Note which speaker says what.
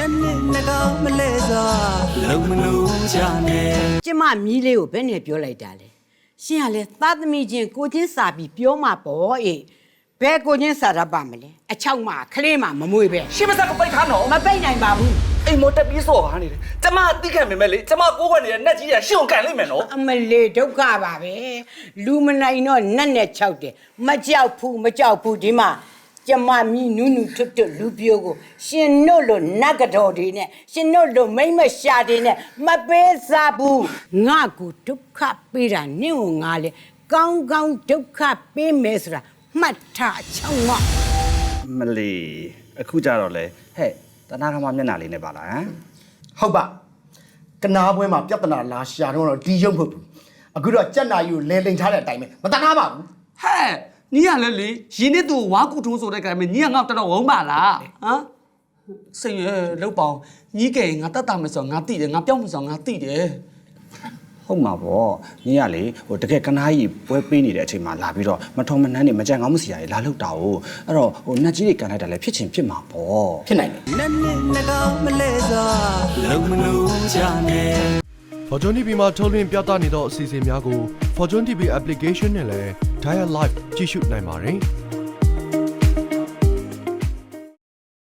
Speaker 1: ကျမမီးလေးကိုဘယ်နဲ့ပြောလိုက်တာလဲရှင်ကလည်းသားသမီးချင်းကိုချင်းစာပြီးပြောမှာပေါ့အေးဘယ်ကိုချင်းစာရပါမလဲအချောက်မှခလေးမှမမွေးပဲ
Speaker 2: ရှင်းမစားကိုပိတ်ထားနော်
Speaker 1: မပိတ်နိုင်ပါဘူး
Speaker 2: အိမ်မတက်ပြီးစော်ကားနေတယ်ကျမသိခံမိမဲ့လေကျမကိုးခွက်နေတဲ့နက်ကြီးကရှင်းကိုကန်လိုက်မယ်နော်
Speaker 1: အမလေးဒုက္ခပါပဲလူမနိုင်တော့နတ်နဲ့၆တယ်မကြောက်ဘူးဒီမှာကျမမီးနူးနူးထွတ်ထွတ်လူပြိုကိုရှင်တို့လိုနတ်ကတော်တွေနဲ့ရှင်တို့လိုမိမ့်မရှာတွေနဲ့မပေးစားဘူးငါကိုဒုက္ခပေးတာနင့်ကိုငါလေကောင်းကောင်းဒုက္ခပေးမယ်ဆိုတာမှတ်ထားချောင်းငေါ
Speaker 3: မလီအခုကြတော့လေဟဲ့တနာကမမျက်နှာလေးနဲ့ပါလားဟမ်
Speaker 4: ဟုတ်ပါကနာပွဲမှာပြဿနာလာရှာတော့ဒီရုံမဟုတ်ဘူးအခုတော့ကြက်နာယူကိုလဲလိန်ထားတဲ့အတိုင်းပဲမတနာပါဘူး
Speaker 2: ဟဲ့ညီရလဲလေရင်းနဲ့သူဝါကူထုံးဆိုတဲ့ကံပဲညီကငါ့တော်တော်ဝုန်းပါလားဟမ်စိတ်ရလောက်ပေါင်းညီကဲငါတတ်တာမယ်ဆိုငါတိတယ်ငါပြောင်းမယ်ဆိုငါတိတယ်
Speaker 3: ဟုတ်မှာပေါ့ညီကလေဟိုတကယ်ကနာကြီးပွဲပေးနေတဲ့အချိန်မှာလာပြီးတော့မထုံမနှမ်းနေမကြံကောင်းမစီရည်လာလောက်တာ哦အဲ့တော့ဟိုနတ်ကြီးတွေကန်လိုက်တာလည်းဖြစ်ချင်ဖြစ်မှာပေါ့
Speaker 4: ဖြစ်နိုင်တယ်
Speaker 5: Fortune TV မှာထုတ်လွှင့်ပြသနေသောအစီအစဉ်များကို Fortune TV application နဲ့လည်း Dial Live ကြည့်ရှုနိုင်ပါတယ်